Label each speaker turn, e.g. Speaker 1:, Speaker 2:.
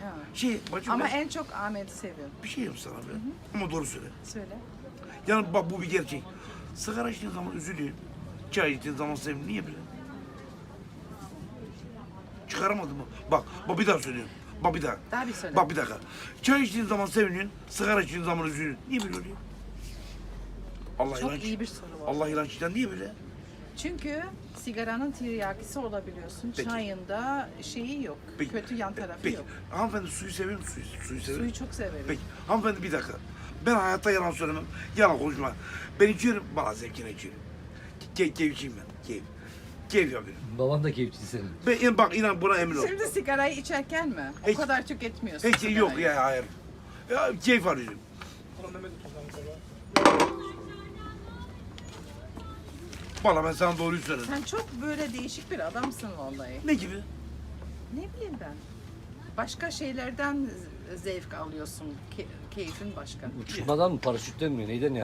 Speaker 1: Ha.
Speaker 2: Bacım
Speaker 1: Ama
Speaker 2: ben
Speaker 1: en çok Ahmet'i seviyorum.
Speaker 2: bir şey yap sana be. Ama doğru söyle.
Speaker 1: Söyle.
Speaker 2: Yani bak bu bir gerçek. Sigara içtiğin zaman üzülüyor. Çay içtiğin zaman seviniyor. Niye böyle? Çıkaramadım mı? Bak bir daha söylüyorum. Bak bir daha.
Speaker 1: Daha bir söyle.
Speaker 2: Bak bir dakika. Çay içtiğin zaman seviniyorsun, sigara içtiğin zaman üzülüyorsun. Niye böyle oluyor? Allah
Speaker 1: Çok
Speaker 2: ilanç.
Speaker 1: iyi bir soru var.
Speaker 2: Allah ilançtan niye böyle?
Speaker 1: Çünkü sigaranın tiryakisi olabiliyorsun.
Speaker 2: Peki.
Speaker 1: Çayında şeyi yok.
Speaker 2: Peki.
Speaker 1: Kötü yan tarafı
Speaker 2: Peki.
Speaker 1: yok.
Speaker 2: Hanımefendi suyu seviyor musun? Suyu seviyor
Speaker 1: Suyu
Speaker 2: musun?
Speaker 1: çok severim.
Speaker 2: Peki. Hanımefendi bir dakika. Ben hayatta yalan söylemem. Yalan konuşmam. Ben içiyorum. Bana zevkine içiyorum. Keyifçiyim ben. Keyif yapıyorum.
Speaker 3: Baban da keyifçi senin.
Speaker 2: Bak inan buna emin ol.
Speaker 1: Şimdi sigarayı içerken mi?
Speaker 2: Hiç-
Speaker 1: O kadar tüketmiyorsun
Speaker 2: Hiç yok
Speaker 1: sigarayı.
Speaker 2: ya hayır. Ya keyif arıyorum. Valla ben sana doğruyu söyledim.
Speaker 1: Sen çok böyle değişik bir adamsın vallahi.
Speaker 2: Ne gibi?
Speaker 1: Ne bileyim ben. Başka şeylerden zevk alıyorsun. Keyfin başka.
Speaker 3: Uçmadan mı, paraşütten mi, neyden yani?